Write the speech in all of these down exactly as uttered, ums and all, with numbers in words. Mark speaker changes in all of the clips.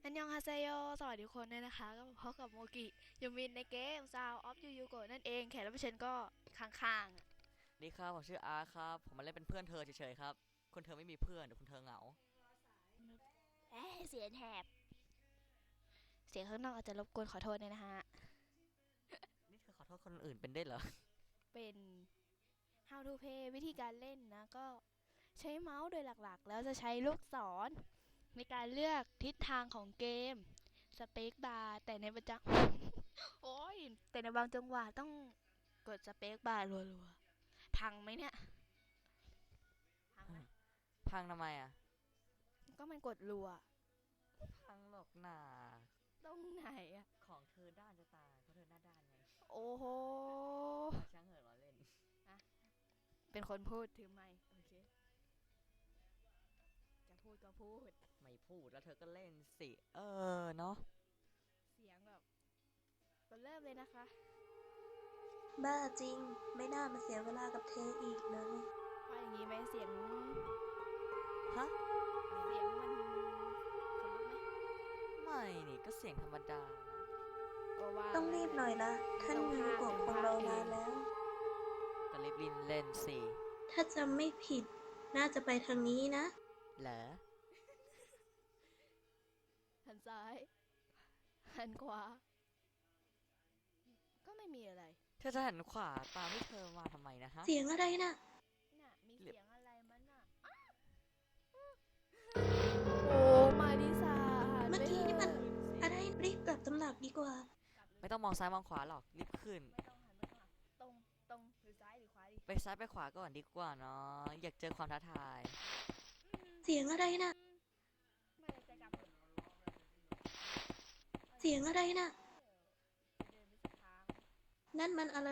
Speaker 1: อันยองฮาเซโยสวัสดีทุกคนด้วยนะคะก็มาพบกับโมกิยูมินในเกม Sound of Yu Yu Go นั่นเองแขกรับเชิญก็ข้าง
Speaker 2: ดีครับผมชื่ออาร์ครับผมมาเล่นเป็นเพื่อนเธอเฉยๆครับคุณเธอไม่มีเพื่อนเดี๋ยวคุณเธอเหงา
Speaker 1: ๆเอ๊ะเสียงแหบเสียงข้างนอกอาจจะรบกวนขอโทษด้วยนะฮะ
Speaker 2: นี่เธอขอโทษคนอื่นเป็นได้เหรอ
Speaker 1: เป็น How to Play วิธีการเล่นนะก็ใช้เมาส์โดยหลักๆแล้วจะใช้ลูกศรในการเลือกทิศทางของเกมสเปคบาร์แต่ในประจัง โอ้ยแต่ในบางจังหวะต้องกดสเปคบาร์รัวๆพังไหมเนี่ยพังไหม
Speaker 2: พังทำไมอ่ะ
Speaker 1: ก็มันกดรัว
Speaker 2: พังหรอกหนา
Speaker 1: ตรงไหนอะ
Speaker 2: ของเธอด้านจะตายเพราะเธอหน้าด้านไง
Speaker 1: โอ้โห
Speaker 2: ช่างเหอะล้อเล่น
Speaker 1: อะเป็นคนพูดถือไมค์โอเคจะพูดก็พูด
Speaker 2: ไม่พูดแล้วเธอก็เล่นสิเออเนาะ
Speaker 1: เสียงแบบก็เริ่มเลยนะคะ
Speaker 3: บ้าจริงไม่น่ามาเสียเวลากับเธออีกเลย
Speaker 1: ว่าอย่างนี้ไหมเสียง
Speaker 2: ฮะ
Speaker 1: เสียงมันคนลุกไหม
Speaker 2: ไม่นี่ก็เสียงธรรมดา
Speaker 1: ก็ว่า
Speaker 3: ต้องรีบหน่อยละท่านมิวโกะคงรอนานแล้ว
Speaker 2: ก็รีบลินเล่นสิ
Speaker 3: ถ้าจำไม่ผิดน่าจะไปทางนี้นะ
Speaker 2: เหรอ
Speaker 1: หันซ้ายหันขวาก็ไม่มีอะไร
Speaker 2: เธอจะหันขวาตามที่เธอมาทำไมนะฮะ
Speaker 3: เสียงอะไรน่ะ
Speaker 1: น่ะมีเสียงอะไรมันน่ะโอ้มาดิสา
Speaker 3: เมื่อกี้นี่มันอะไรรีบกลับตำหนักดีกว่า
Speaker 2: ไม่ต้องมองซ้ายมองขวาหรอกรีบขึ้น
Speaker 1: ไม่ต้องหันไปข้างหลังตรงตรงหรือซ้ายหรือขวาดิ
Speaker 2: ไปซ้ายไปขวาก่อนดีกว่าเนาะอยากเจอความท้าทาย
Speaker 3: เสียงอะไรน่ะ
Speaker 1: ไม่ได้ใจกลับ
Speaker 3: เสียงอะไรน่ะ
Speaker 1: เดินไปสักทาง
Speaker 3: นั่นมันอะไร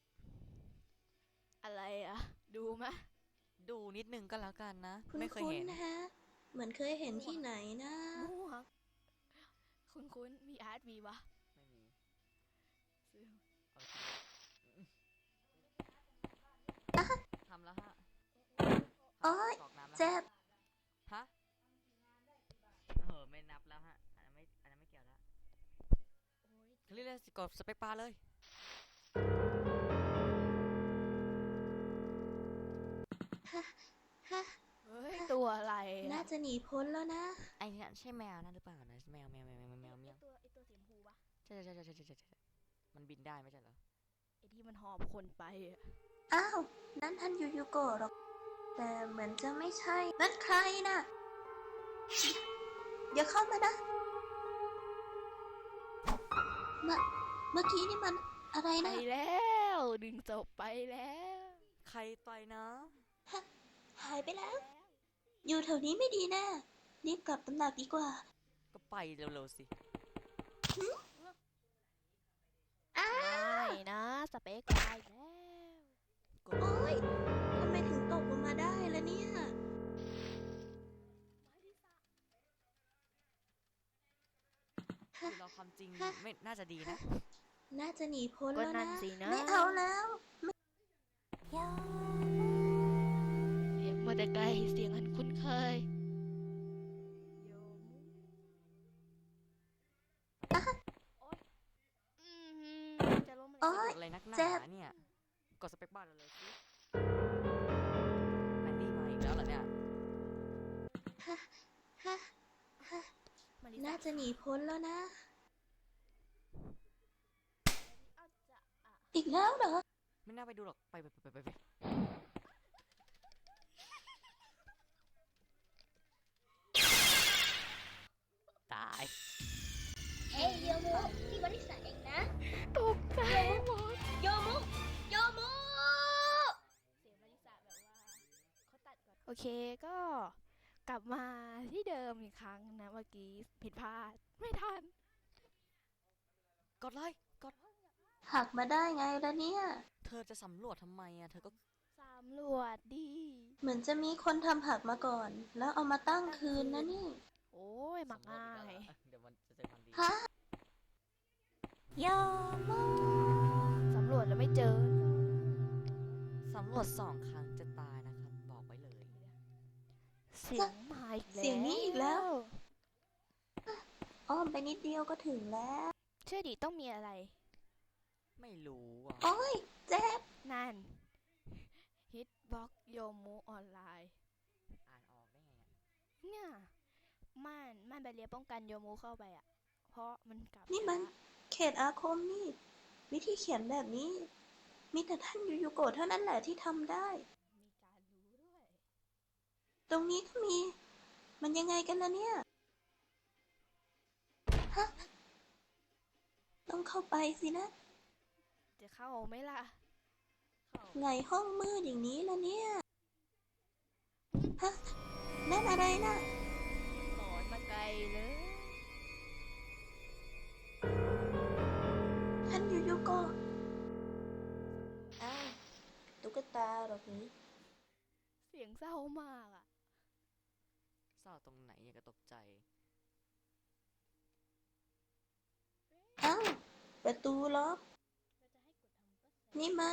Speaker 1: อะไรอะดูไหม
Speaker 2: ดูนิดนึงก็แล้วกันนะ
Speaker 3: คุณ
Speaker 2: ไม่เคยเห็น
Speaker 3: นะฮะเหมือนเคยเห็นที่ไหนนะ
Speaker 1: มั่วคุณคุณมีอาร์ตมีปะ
Speaker 2: ไม่มี
Speaker 1: ซื้อ
Speaker 2: ทำแล้วฮะ
Speaker 3: โอ๊ยเจ็บ
Speaker 2: ฮะเออไม่นับแล้วฮะอันนั้นไม่อันนั้นไม่เกี่ยวแล้วคลิกเลยกดสเปคบาร์เลย
Speaker 3: ฮะฮะ
Speaker 1: เฮ้ยตัวอะไร
Speaker 3: น่าจะหนีพ้นแล้วนะ
Speaker 2: ไอ้นี่ใช่แมวนั่นหรือเปล่านะแมวแมวแมวแมวแมวแมว
Speaker 1: ตัวไอตัวสีชมพูปะ
Speaker 2: ใช่ใช่ใช่ใช่ใช่ใช่มันบินได้ไม่ใช่เหรอ
Speaker 1: ไอที่มันหอบคนไปอะ
Speaker 3: อ้าวนั่นท่านยูยูโกะหรอกแต่เหมือนจะไม่ใช่นั่นใครน่ะอย่าเข้ามานะเมื่อเมื่อกี้นี่มันอะไร
Speaker 1: ไป
Speaker 3: นะ
Speaker 1: แล้วดึงจบไปแล้ว
Speaker 2: ใครต่อยนะ
Speaker 3: ฮะหายไปแล้วอยู่แถวนี้ไม่ดีแน่รีบกลับตำหนักดีกว่า
Speaker 2: ก็ไปเร็วๆสิ
Speaker 3: อ้า
Speaker 1: ไม่นะสเปคไปแล้ว
Speaker 3: โอ๊ยทำไมถึงตกลงมาได้ล่ะเนี่ย
Speaker 2: คือเราความจริงไม่น่าจะดีนะ
Speaker 3: น่าจะหนีพ้นแล้วนะ
Speaker 1: นะ
Speaker 3: ไม่เอาแล้ว
Speaker 1: เสียงมาแต่ไกลเสียงอันคุ้นเคยโยมโอ๊ยอืมจะล้ม
Speaker 3: เลย
Speaker 2: อะไรนักหนาเนี่ยกดสเปคบาร์เลยสิมันนี่มาอีกแล้วเหรอเนี่ย
Speaker 3: น่าจะหนีพ้นแล้วนะอีกแล้วเหรอ
Speaker 2: ไม่น่าไปดูหรอกไปไปไปไปไปตาย
Speaker 3: เอ้ยโยมุที่บริษัทเองนะ
Speaker 1: ตกใจหมด
Speaker 3: โยมุโยมุ
Speaker 1: เสียงบริษัทแบบว่าเขาตัดก่อนโอเคก็กลับมาที่เดิมอีกครั้งนะเมื่อกี้ผิดพลาดไม่ทัน
Speaker 2: กดเลยกด
Speaker 3: หักมาได้ไงล่ะเนี่ย
Speaker 2: เธอจะสำรวจทำไมอ่ะเธอก็
Speaker 1: สำรวจดี
Speaker 3: เหมือนจะมีคนทำหักมาก่อนแล้วเอามาตั้งคืนนะนี่
Speaker 1: โอ้ยมักง่าย
Speaker 2: เดี๋ยวมันจะเจอมันดี
Speaker 3: ฮะ
Speaker 1: ยอมสำรวจแล้วไม่เจอ
Speaker 2: สำรวจสองครั้งจะตายนะครับบอกไว้เลย
Speaker 1: เสียงมาอีกแล้ว
Speaker 3: เสียงนี้อีกแล้วอ้อมไปนิดเดียวก็ถึงแล้ว
Speaker 1: เชื่อดิต้องมีอะไร
Speaker 2: ไม่รู้อ่ะ
Speaker 3: โอ้ยเจ็บ
Speaker 1: นั่น ฮิตบ็อกโยมูออนไลน์
Speaker 2: อ่านออกได้ไงเนี่ย
Speaker 1: เนี่ยม่านม่านแบเรียป้องกันโยมูเข้าไปอ่ะ เพราะมันกลับ
Speaker 3: นี่มัน
Speaker 1: ช้า
Speaker 3: เขตอาคมนี่ วิธีเขียนแบบนี้ มีแต่ท่านยูยูโกะเท่านั้นแหละที่ทำได้
Speaker 1: มีการรู้ด้วย
Speaker 3: ตรงนี้ก็มี มันยังไงกันล่ะเนี่ย ฮะ ต้องเข้าไปสินะ
Speaker 1: จะเข้าไหมล่ะ เข้า
Speaker 3: ไงห้องมืดอย่างนี้ล่ะเนี่ย ฮะ นั่นอะไรนะ
Speaker 1: หลอนมาไกลเลย
Speaker 3: ท่านยูยูโกะอ้าวตุ๊กตาหรอกนี้
Speaker 1: เสียงเศร้ามากอ่ะ
Speaker 2: เศร้าตรงไหนเนี่ยก็ตกใจ
Speaker 3: อ้าวประตูล็อก
Speaker 1: เราจะให้กดทำก็แส
Speaker 3: นี่มัน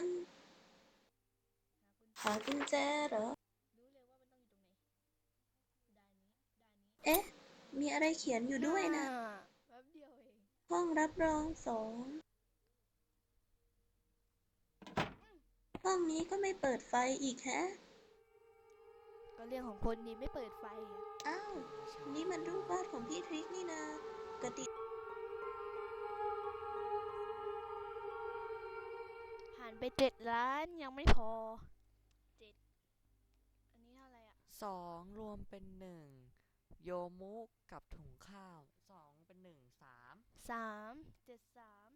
Speaker 1: หากุญแจ
Speaker 3: หากุญแจเหรอ
Speaker 1: รู้เลยว่ามันต้องอยู่ตรงไหนด้านนี้ด้านนี้
Speaker 3: เอ๊ะ มีอะไรเขียนอยู่ด้วยนะ
Speaker 1: อ่าแป๊บเดียวเอง
Speaker 3: ห้องรับรองสอง ห้องนี้ก็ไม่เปิดไฟอีกแฮะ
Speaker 1: ก็เรื่องของคนนี้ไม่เปิดไฟอ่ะ
Speaker 3: อ้าว นี่มันรูปวาดของพี่ทริกนี่นาปกติ
Speaker 1: ผ่านไปเจ็ดล้านยังไม่พอเจ็ดอันนี้เท่าไหร่อ่ะ
Speaker 2: สองรวมเป็นหนึ่งโยมุกับถุงข้าวสองเป็นหนึ่งสาม
Speaker 1: สามเจ็ดสาม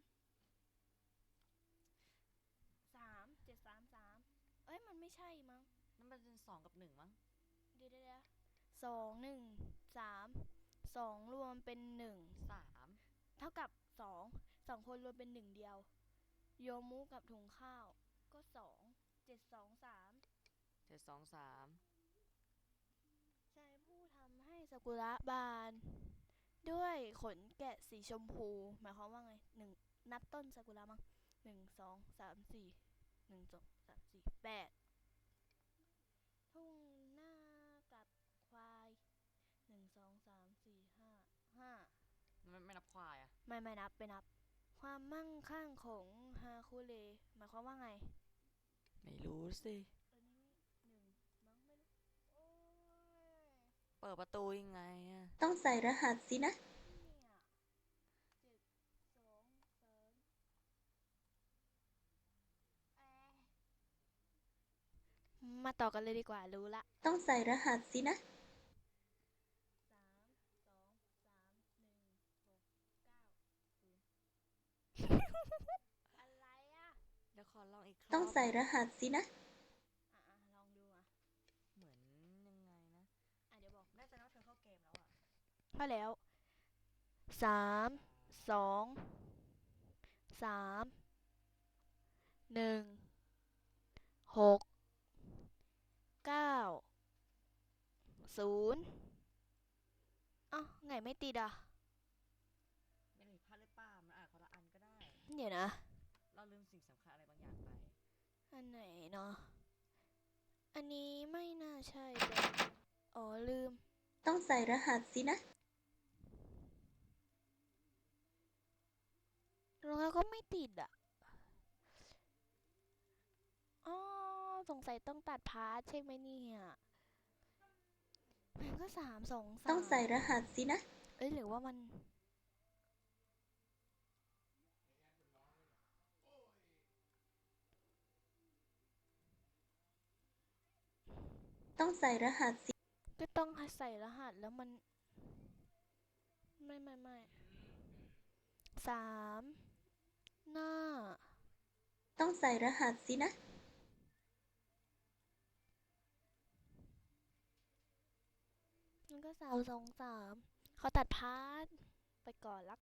Speaker 1: สามเจ็ดสามสามเอ้ยมันไม่ใช่มั้ง
Speaker 2: นั่นมันเป็นสองกับหนึ่งมั้ง
Speaker 1: เดี๋ยวเดี๋ยวเดี๋ยวสองหนึ่งสามสองรวมเป็นหนึ่ง
Speaker 2: สาม
Speaker 1: เท่ากับสองสองคนรวมเป็นหนึ่งเดียวโยมุกับถุงข้าวก็สองเจ็ดสองสาม
Speaker 2: เจ็ดสองสาม
Speaker 1: ใช้ผู้ทำให้ซากุระบาน ด้วยขนแกะสีชมพู หมายความว่าไงหนึ่งนับต้นซากุระมั้งหนึ่งสองสามสี่หนึ่งสองสามสี่แปดทุ่งหน้ากับควายหนึ่งสองสามสี่ห้าห้า
Speaker 2: ไม่ไม่นับควายอ่ะ
Speaker 1: ไม่ไม่นับไปนับ ความมั่งคั่งของฮาคุเรหมายความว่าไง
Speaker 2: ไม่รู้สิ
Speaker 1: อันนี้หนึ่งมั้งไม่รู้โอ้ย
Speaker 2: เปิดประตูยังไงอ่ะ
Speaker 3: ต้องใส่รหัสสินะ
Speaker 1: เนี่ยเจ็ดสองสามแอะมาต่อกันเลยดีกว่ารู้ละ
Speaker 3: ต้องใส่รหัสสินะ
Speaker 1: สามสองสามหนึ่งหกเก้าศูนย์ อะไรอ่ะ
Speaker 2: เดี๋ยวขอลองอีกครั้ง
Speaker 3: ต้องใส่รหัสสินะ
Speaker 1: อ่ะอ่ะลองดูอ่ะ
Speaker 2: เหมือนยังไงนะ
Speaker 1: อ่ะเดี๋ยวบอก
Speaker 2: น่าจะนับเธอเข้าเกมแล้วอ่ะ
Speaker 1: มาแล้วสามสองสามหนึ่งหกเก้าศูนย์อ้าวไงไม่ติดอ่ะ
Speaker 2: ไม่ได้ผิดพลาดหรือเปล่ามันอ่านคนละอันก็ได้
Speaker 1: เดี๋ยวนะ
Speaker 2: เราลืมสิ่งสำคัญอะไรบางอย่างไป
Speaker 1: อันไหนเนาะอันนี้ไม่น่าใช่แต่อ๋อลืม
Speaker 3: ต้องใส่รหัสสินะ
Speaker 1: แล้วก็ไม่ติดอ่ะอ๋อสงสัยต้องตัดพาร์ทใช่ไหมเนี่ยมันก็สามสองสาม
Speaker 3: ต้องใส่รหัสสินะ
Speaker 1: เอ้ยหรือว่ามัน
Speaker 3: ต้องใส่รหัสสิ
Speaker 1: ก็ต้องใส่รหัสแล้วมัน ไม่ไม่ไม่สามหน้า
Speaker 3: ต้องใส่รหัสสินะ
Speaker 1: มันก็สามสองสามเขาตัดพาร์ทไปก่อนละ